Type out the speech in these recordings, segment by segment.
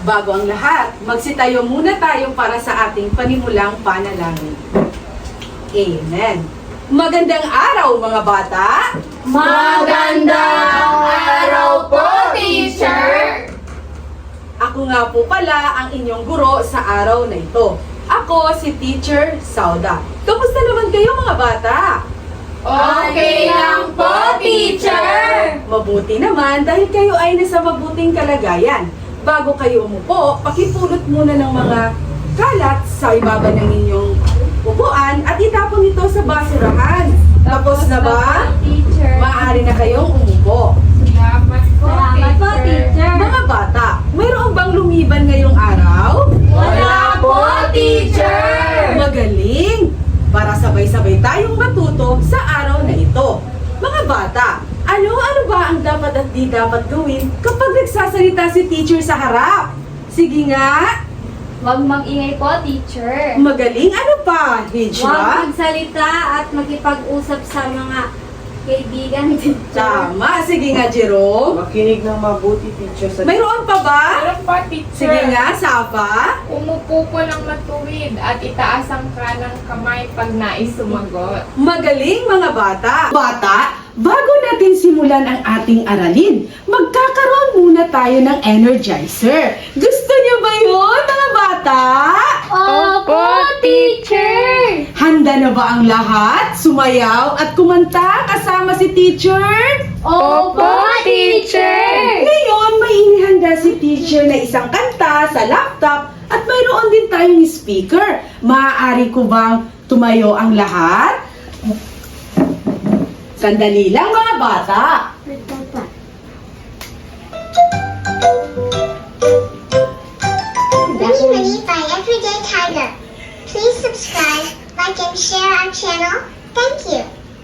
Bago ang lahat, magsitayo muna tayo para sa ating panimulang panalangin. Amen. Magandang araw mga bata! Magandang araw po, teacher! Ako nga po pala ang inyong guro sa araw na ito. Ako si Teacher Sauda. Kamusta naman kayo mga bata? Okay lang po, teacher! Mabuti naman dahil kayo ay nasa mabuting kalagayan. Bago kayo umupo, pakipulot muna ng mga kalat sa ibaba ng inyong upuan at itapon ito sa basurahan. Tapos na ba? Teacher. Maaari na kayong umupo. Salamat po, teacher. Mga bata, mayroon bang lumiban ngayong araw? Wala po, teacher! Magaling! Para sabay-sabay tayong matuto sa araw na ito. Mga bata, ano ba ang dapat at di dapat gawin kapag nagsasalita si teacher sa harap? Sige nga! Huwag mag-ingay po, teacher. Magaling! Ano pa, Huwag Hijra? magsalita at makipag-usap sa mga kaibigan, teacher. Tama! Sige nga, Jerome. Makinig ng mabuti, teacher, sa Mayroon pa ba? Meron pa, teacher. Sige nga, Safa. Umupo po ng matuwid at itaas ang kanang kamay pag nais sumagot. Magaling mga bata! Bata, bago natin simulan ang ating aralin, magkakaroon muna tayo ng energizer. Gusto niyo ba yun, mga bata? Opo, teacher! Handa na ba ang lahat? Sumayaw at kumanta kasama si teacher? Opo, teacher! Ngayon, may inihanda si teacher na isang kanta sa laptop at mayroon din tayong speaker. Maaari ko bang tumayo ang lahat? Sandali lang mga bata. Ready Ready by Everyday Tiger. Please subscribe, like, and share our channel. Thank you.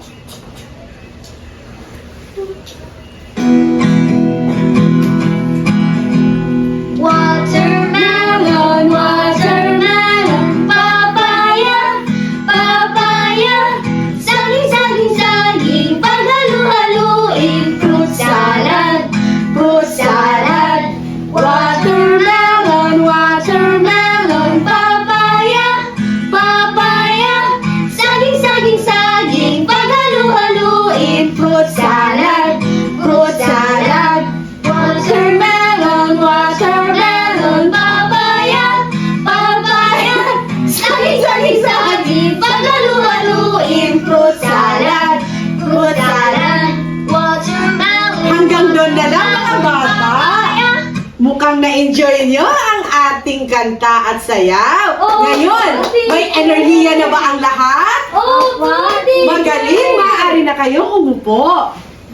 Watermelon, watermelon, papaya, papaya, saging, saging, saging, paghalu-haluin, fruit salad, fruit salad. Watermelon, watermelon, papaya, papaya, saging, saging, saging, paghalu-haluin, fruit salad, fruit salad. Watermelon, watermelon, papaya, papaya, saging, saging, saging, paghalu-haluin, fruit salad, fruit salad. Watermelon. Hanggang doon na lang mga bata. Papaya. Mukhang na-enjoy nyo ang ating kanta at sayaw. Oo, Ngayon, pati. may enerhiya na ba ang lahat? Opo, teacher. Magaling, maaari na kayong umupo.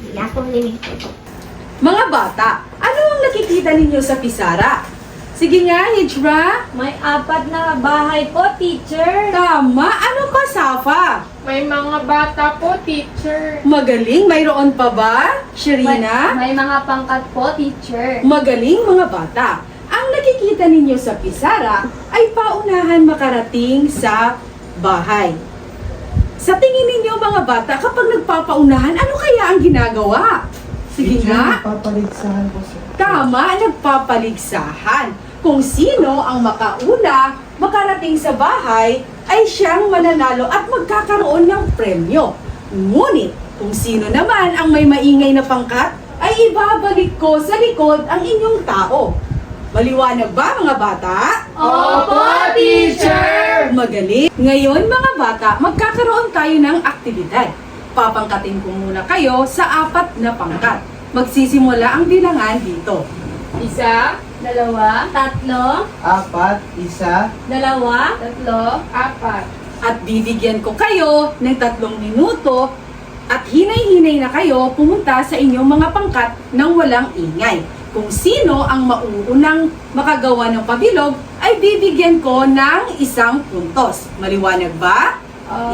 Mga bata, ano ang nakikita ninyo sa pisara? Sige nga, Hijra. May 4 na bahay po, teacher. Tama, ano pa, Safa? May mga bata po, teacher. Magaling, mayroon pa ba? Sherina? May mga pangkat po, teacher. Magaling mga bata. Ang nakikita ninyo sa pisara ay paunahan makarating sa bahay. Sa tingin ninyo mga bata, kapag nagpapaunahan, ano kaya ang ginagawa? Sige nga. Papaligsahan po, sir. Tama, nagpapaligsahan. Kung sino ang makauna, makarating sa bahay, ay siyang mananalo at magkakaroon ng premyo. Ngunit, kung sino naman ang may maingay na pangkat, ay ibabalik ko sa likod ang inyong tao. Maliwanag ba mga bata? Opo, teacher. Magaling! Ngayon mga bata, magkakaroon tayo ng aktibidad. Papangkatin ko muna kayo sa 4 na pangkat. Magsisimula ang bilangan dito. 1, 2, 3, 4, 1, 2, 3, 4. At bibigyan ko kayo ng 3 minuto at hinay-hinay na kayo pumunta sa inyong mga pangkat nang walang ingay. Kung sino ang mauunang makagawa ng pabilog, ay bibigyan ko ng 1 puntos. Maliwanag ba? 1,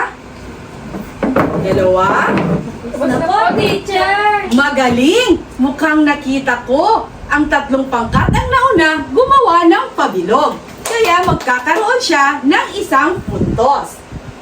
2, na po, teacher. magaling! Mukhang nakita ko ang 3 pangkat ang nauna gumawa ng pabilog. Kaya magkakaroon siya ng 1 puntos.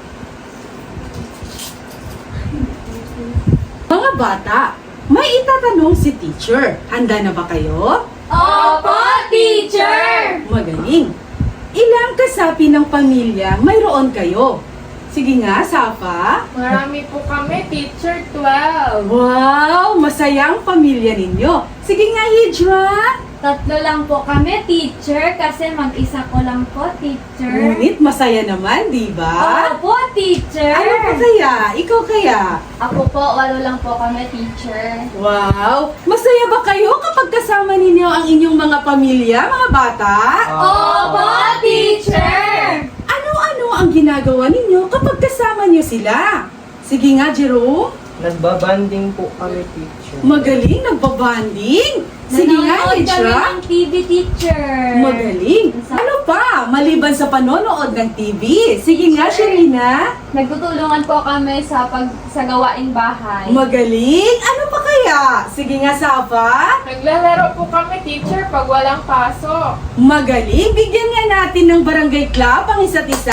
Mga bata, may itatanong si teacher. Handa na ba kayo? Opo, teacher! Magaling! Ilang kasapi ng pamilya mayroon kayo? Sige nga, Safa. Marami po kami, teacher, 12. Wow! Masayang pamilya ninyo. Sige nga, Hijra. 3 lang po kami, teacher, kasi mag-isa ko lang po, teacher. Ngunit masaya naman, di ba? Opo, teacher. Ano pa kaya? Ikaw kaya? Ako po, 8 lang po kami, teacher. Wow! Masaya ba kayo kapag kasama ninyo ang inyong mga pamilya, mga bata? Opo, teacher! Ano-ano ang ginagawa ninyo kapag kasama niyo sila? Sige nga, Jero. Nagbabanding po kami, teacher. Magaling, nagbabanding. Sige nga, Nanonood kami Hijra. ng TV, teacher. Magaling. Ano pa? Maliban sa panonood ng TV. Sige nga, Sherina. Nagtutulungan po kami sa gawaing bahay. Magaling. Ano pa kaya? Sige nga, Safa. Naglalaro po kami, teacher, pag walang pasok. Magaling. Bigyan nga natin ng barangay club ang isa't isa.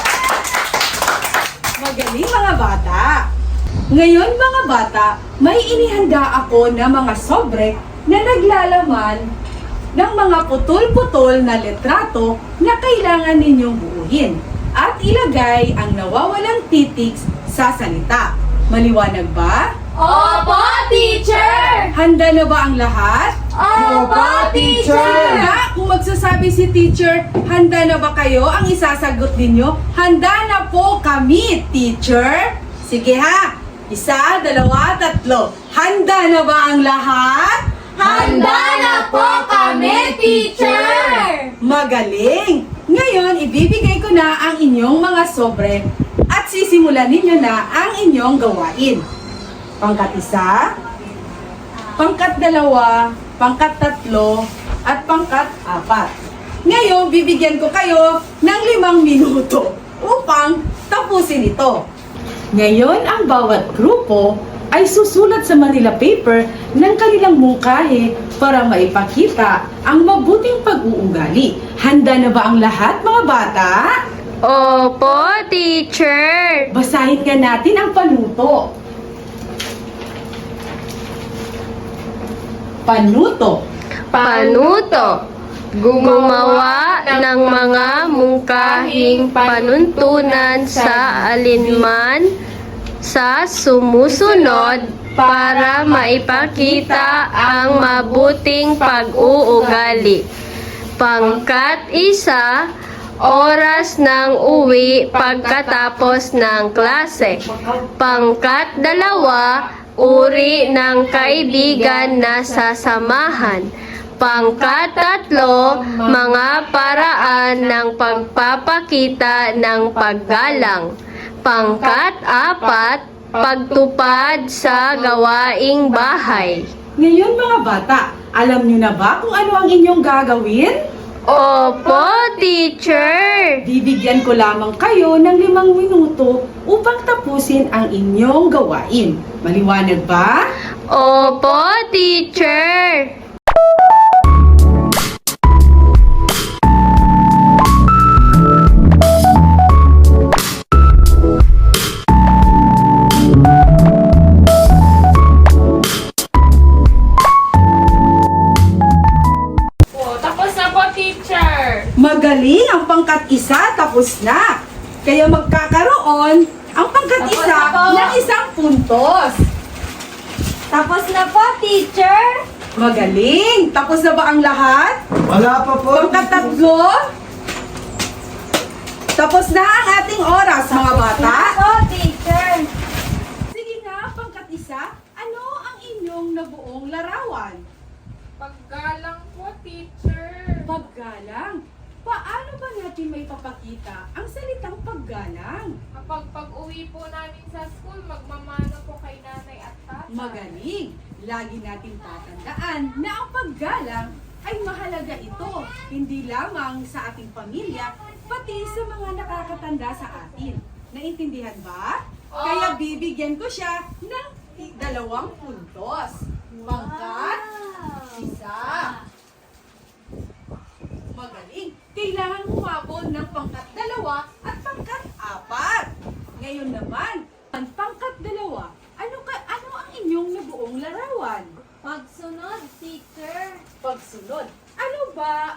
Magaling, mga bata. Ngayon, mga bata, may inihanda ako na mga sobre na naglalaman ng mga putol-putol na litrato na kailangan ninyong buuhin at ilagay ang nawawalang titiks sa salita. Maliwanag ba? Opo, teacher! Handa na ba ang lahat? Opo, teacher! Handa? Kung magsasabi si teacher, handa na ba kayo? Ang isasagot ninyo, handa na po kami, teacher. Sige ha, 1, 2, 3. Handa na ba ang lahat? Handa na po kami, teacher! Magaling! Ngayon, ibibigay ko na ang inyong mga sobre at sisimulan ninyo na ang inyong gawain. Pangkat 1, pangkat 2, pangkat 3, at pangkat 4. Ngayon, bibigyan ko kayo ng 5 minuto upang tapusin ito. Ngayon, ang bawat grupo ay susulat sa Manila paper ng kanilang mungkahi para maipakita ang mabuting pag-uugali. Handa na ba ang lahat, mga bata? Opo, teacher. Basahin nga natin ang panuto. Panuto. Panuto. Gumawa ng mga mungkahing panuntunan sa alinman sa sumusunod para maipakita ang mabuting pag-uugali. Pangkat 1, oras ng uwi pagkatapos ng klase. Pangkat 2, uri ng kaibigan na sasamahan. Pangkat 3, mga paraan ng pagpapakita ng paggalang. Pangkat 4, pagtupad sa gawaing bahay. Ngayon, mga bata, alam niyo na ba kung ano ang inyong gagawin? Opo, teacher. Bibigyan ko lamang kayo ng 5 minuto upang tapusin ang inyong gawain. Maliwanag ba? Opo, teacher. Po, tapos na po, teacher. Magaling! Ang pangkat 1 tapos na. Kaya magkakaroon ang pangkat Tapos 1 na po. ng 1 puntos. Tapos na po, teacher! Magaling! Tapos na ba ang lahat? Wala pa po. Pangkat 3? Tapos na ang ating oras, mga bata. Opo, teacher! Sige nga, pangkat 1, ano ang inyong nabuong larawan? Paggalang po, teacher. Paggalang. Paano ba natin may papakita ang salitang paggalang? Kapag pag-uwi po namin sa school, magmamano po kay nanay at tatay. Magaling! Lagi nating tatandaan na ang paggalang ay mahalaga ito, hindi lamang sa ating pamilya, pati sa mga nakakatanda sa atin. Naintindihan ba? Kaya bibigyan ko siya ng 2 puntos. Pangkat 1. Magaling! Kailangan humabol ng pangkat 2 at pangkat 4. Ngayon naman, ang pangkat 2, ano ang inyong nabuong larawan? Pagsunod, teacher! Pagsunod. Ano ba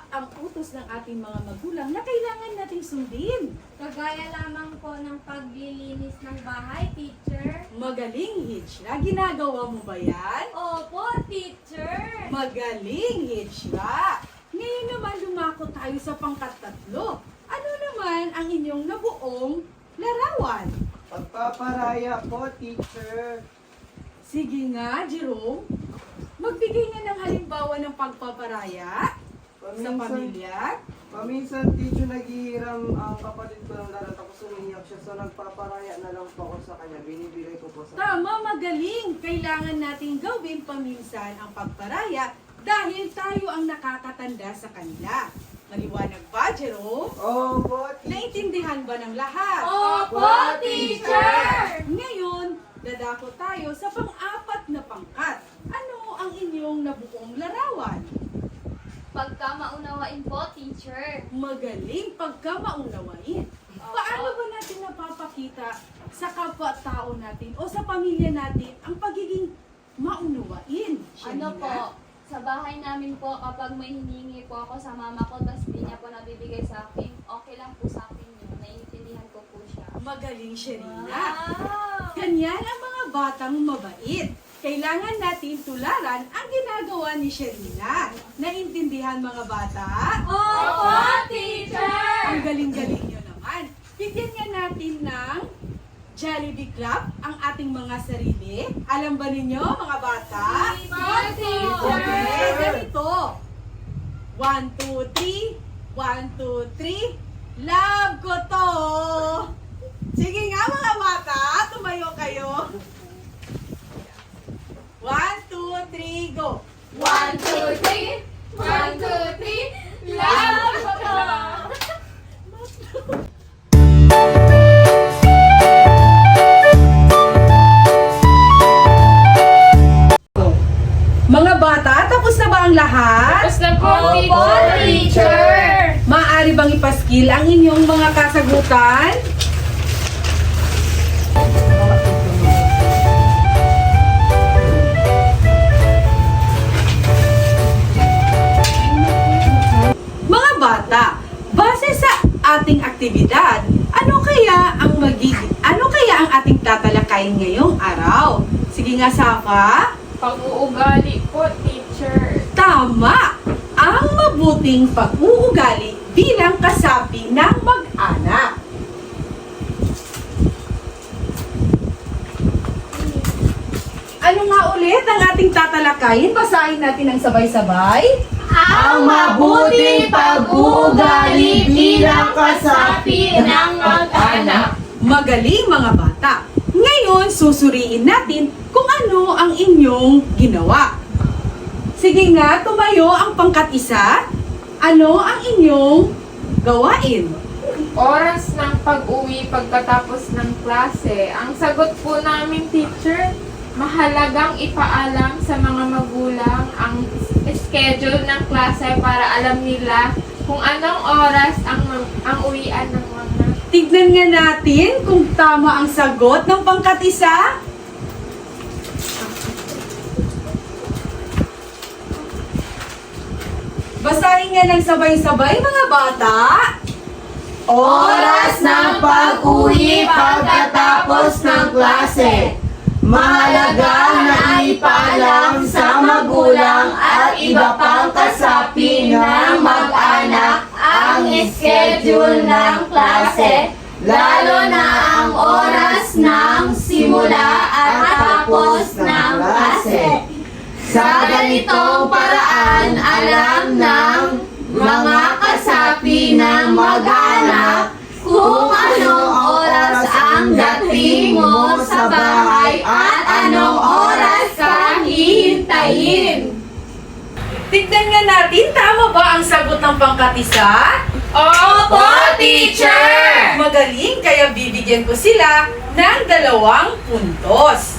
kailangan nating sundin? Kagaya lamang po ng paglilinis ng bahay, teacher. Magaling, Hitchra. Ginagawa mo ba yan? Opo, teacher. Magaling, Hitchra. Ngayon naman lumako tayo sa pangkat-tatlo. Ano naman ang inyong nabuong larawan? Pagpaparaya po, teacher. Sige nga, Jerome. Magbigay nga ng halimbawa ng pagpaparaya sa pamilya. Paminsan, teacher, naghihiram ang kapatid ko ng laro tapos umiiyak siya. So, nagpaparaya na lang po ako sa kanya. Binibigay ko po sa Tama, magaling. Kailangan nating gawin paminsan ang pagparaya dahil tayo ang nakakatanda sa kanila. Maliwanag ba, Jerome? Opo, teacher. Naintindihan ba ng lahat? Opo, teacher. Ngayon, dadako tayo sa pang-apat na pangkat. Ano ang inyong nabuong larawan? Pagkamaunawain po, teacher. Magaling pagkamaunawain. Paano ba natin napapakita sa kapwa-tao natin o sa pamilya natin ang pagiging maunawain? Ano Shanina? po, sa bahay namin po, kapag may hiningi po ako sa mama ko, tapos hindi niya po nabibigay sa akin, okay lang po sa akin yun. Naiintindihan ko po siya. Magaling, Sherina. Wow. Ganyan ang mga batang mabait. Kailangan natin tularan ang ginagawa ni Sherina. Naintindihan mga bata? Opo, teacher. Ang galing-galing nyo naman. Bigyan nga natin ng Jollibee Club ang ating mga sarili. Alam ba ninyo mga bata? Opo, teacher. Okay, ganito. 1, 2, 3. 1, 2, 3. Love ko to! Sige nga mga bata, tumayo kayo. 1, 2, 3, go! 1, 2, 3. 1, 2, 3. Love ko. Mga bata, tapos na ba ang lahat? Tapos na po, Opo, teacher. Maaari bang ipaskil ang inyong mga kasagutan? Mga bata, base sa ating aktibidad, ano kaya ang ating tatalakayin ngayong araw? Sige nga, Safa. Pag-uugali po, teacher. Tama! Ang mabuting pag-uugali bilang kasapi ng mag-anak. Ano nga ulit ang ating tatalakayin? Basahin natin ang sabay-sabay. Ang mabuting pag-uugali bilang kasapi ng mag-anak. Magaling mga bata. Ngayon, susuriin natin kung ano ang inyong ginawa. Sige nga, tumayo ang pangkat-isa. Ano ang inyong gawain? Oras ng pag-uwi pagkatapos ng klase. Ang sagot po namin, teacher, mahalagang ipaalam sa mga magulang ang schedule ng klase para alam nila kung anong oras ang uwian ng mga. Tignan nga natin kung tama ang sagot ng pangkat-isa. Basahin nga ng sabay-sabay mga bata. Oras ng pag-uwi pagkatapos ng klase. Mahalaga na ipaalam sa magulang at iba pang kasapi ng mag-anak ang schedule ng klase, lalo na ang oras ng simula at tapos ng klase. Sa ganitong paraan, alam ng mga kasapi ng mag-anak kung anong oras ang dating mo sa bahay at anong oras ka hihintayin. Tignan nga natin, tama ba ang sagot ng pangkat-isa? Opo, teacher! Magaling, kaya bibigyan ko sila ng 2 puntos.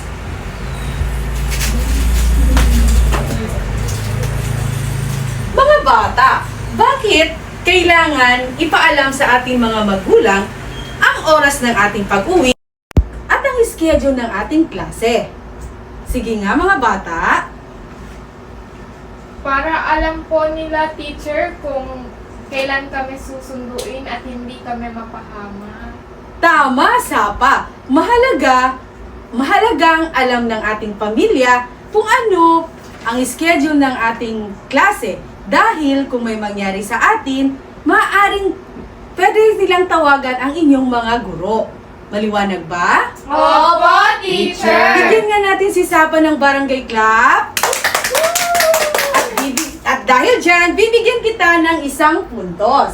Mga bata, bakit kailangan ipaalam sa ating mga magulang ang oras ng ating pag-uwi at ang schedule ng ating klase? Sige nga mga bata. Para alam po nila, teacher, kung kailan kami susunduin at hindi kami mapahama. Tama, Sapa. Mahalagang alam ng ating pamilya kung ano ang schedule ng ating klase. Dahil kung may mangyari sa atin, pwede nilang tawagan ang inyong mga guro. Maliwanag ba? Opo, teacher! Bigyan nga natin si Sapa ng barangay clap. At dahil dyan, bibigyan kita ng isang puntos.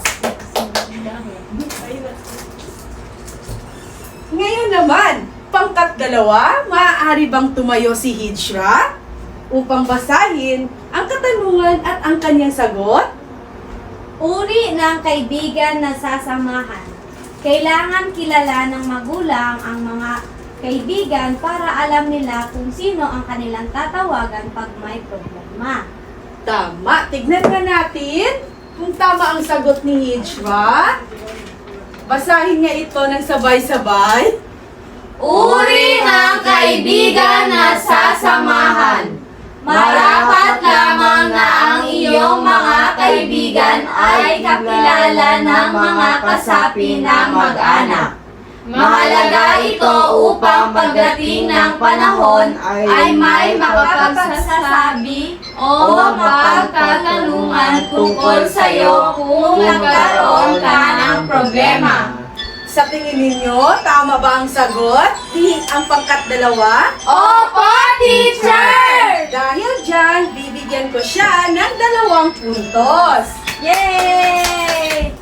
Ngayon naman, pangkat 2, maaari bang tumayo si Hijra upang basahin ang katanungan at ang kanyang sagot? Uri ng kaibigan na sasamahan. Kailangan kilala ng magulang ang mga kaibigan para alam nila kung sino ang kanilang tatawagan pag may problema. Tama. Tignan nga natin kung tama ang sagot ni Hijra. Basahin nga ito ng sabay-sabay. Uri ng kaibigan na sasamahan. Marapat lamang na ang iyong mga kaibigan ay kakilala ng mga kasapi ng mag-anak. Mahalaga ito upang pagdating ng panahon ay may makapagsasabi o mapagtatanungan tungkol sa iyo kung nagkaroon ka ng problema. Sa tingin ninyo, tama ba ang sagot? Ang pangkat 2? Opo, teacher! Dahil dyan, bibigyan ko siya ng 2 puntos. Yay!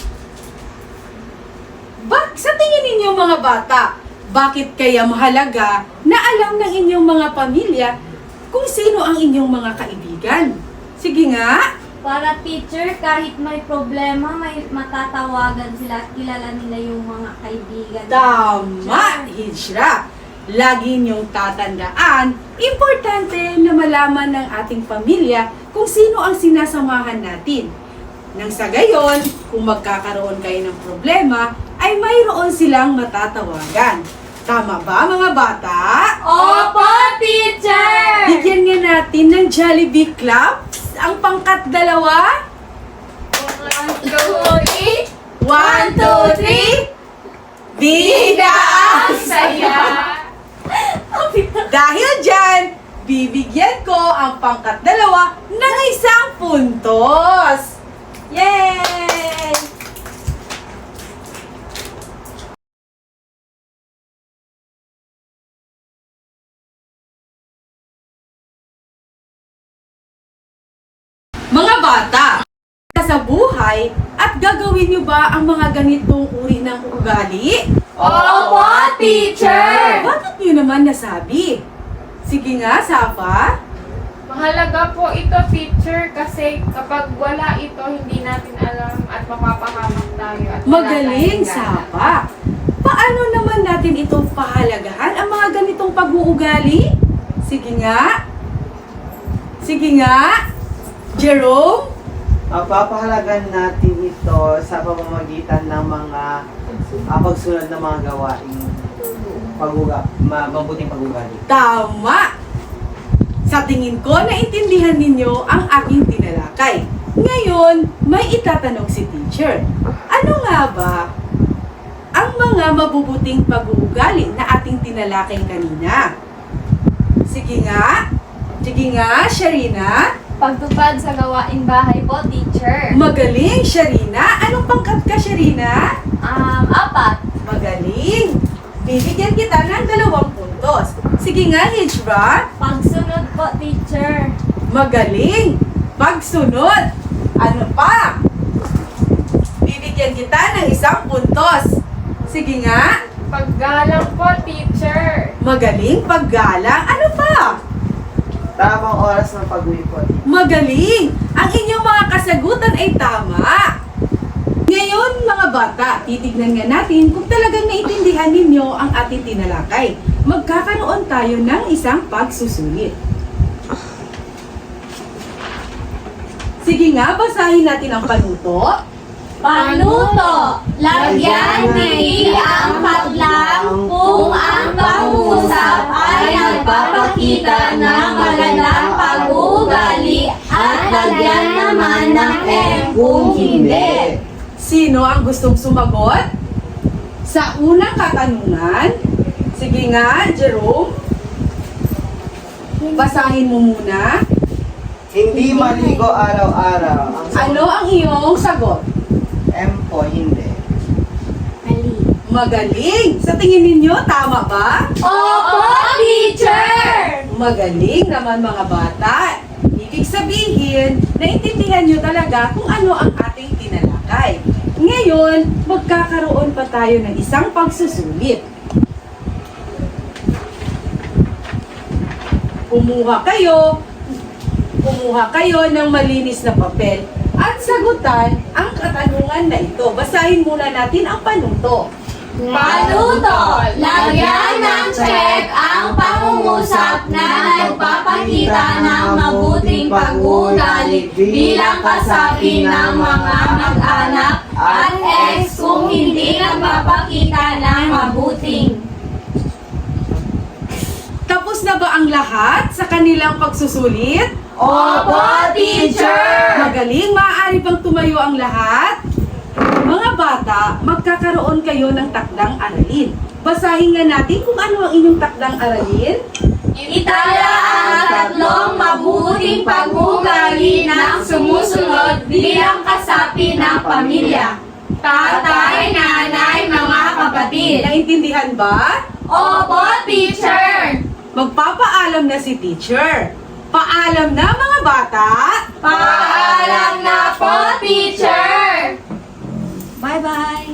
Sa tingin ninyo mga bata, bakit kaya mahalaga na alam ng inyong mga pamilya kung sino ang inyong mga kaibigan? Sige nga. Para teacher, kahit may problema, may matatawagan sila at kilala nila yung mga kaibigan. Tama, Hijra. Lagi niyong tatandaan, importante na malaman ng ating pamilya kung sino ang sinasamahan natin. Nang sa gayon, kung magkakaroon kayo ng problema, ay mayroon silang matatawagan. Tama ba mga bata? Opo, teacher! Bigyan nga natin ng Jollibee claps ang pangkat 2. 1, 2, 3. 1, 2, 3. Bida ang saya! Dahil dyan, bibigyan ko ang pangkat 2 ng 1 puntos. Yay! Mga bata, sa buhay at gagawin niyo ba ang mga ganitong uri ng ugali? Opo, teacher! Bakit niyo naman nasabi? Sige nga, Sapa. Mahalaga po ito, teacher, kasi kapag wala ito, hindi natin alam at mapapahamak tayo. At wala Magaling, tayong gana. Sapa. Paano naman natin itong pahalagahan ang mga ganitong pag-uugali? Sige nga. Sige nga. Jerome? Papahalagan natin ito sa pamamagitan ng mga pagsunod ng mga gawaing mabuting pag-ugali. Tama! Sa tingin ko, naintindihan ninyo ang aking tinalakay. Ngayon, may itatanong si teacher. Ano nga ba ang mga mabubuting pag-uugali na ating tinalakay kanina? Sige nga. Sige nga, Sharina. Pagtupad sa gawaing bahay po, teacher. Magaling, Sharina. Anong pangkat ka, Sharina? 4. Magaling. Bibigyan kita ng 2 puntos. Sige nga, Hijra. Pagsunod po, teacher. Magaling. Pagsunod. Ano pa? Bibigyan kita ng 1 puntos. Sige nga. Paggalang po, teacher. Magaling. Paggalang. Ano pa? Tamang oras ng pag-uwi po. Magaling. Ang inyong mga kasagutan ay tama. Ngayon, mga bata, titignan nga natin kung talagang naintindihan ninyo ang ating tinalakay. Magkakaroon tayo ng isang pagsusulit. Sige nga, basahin natin ang panuto. Panuto, lagyan ni ang hadlang kung ang pag-uusap ay nagpapakita ng magandang pag-uugali at lagyan naman ng M kung hindi. Sino ang gustong sumagot? Sa unang katanungan, sige nga, Jerome. Basahin mo muna. Hindi maligo araw-araw. Ang Ano ang iyong sagot? M po, hindi. Mali. Magaling! Sa tingin ninyo, tama ba? Opo, teacher! Magaling naman mga bata. Ibig sabihin, naintindihan nyo talaga kung ano ang ating tinalakay. Ngayon, magkakaroon pa tayo ng isang pagsusulit. Kumuha kayo ng malinis na papel at sagutan ang katanungan na ito. Basahin muna natin ang panuto. Panuto, lagyan ng check ang pangungusap na nagpapakita ng mabuting pag-uugali bilang kasapi ng mga mag-anak at ex kung hindi nagpapakita ng mabuting. Tapos na ba ang lahat sa kanilang pagsusulit? Opo, teacher! Magaling, maaari bang tumayo ang lahat? Mga bata, magkakaroon kayo ng takdang aralin. Basahin nga natin kung ano ang inyong takdang aralin. Itala ang tatlong mabuting pag-uugali ng sumusunod bilang kasapi ng pamilya. Tatay, nanay, mga kapatid. Naintindihan ba? Opo, teacher! Magpapaalam na si teacher. Paalam na mga bata. Paalam na po, teacher! Bye-bye!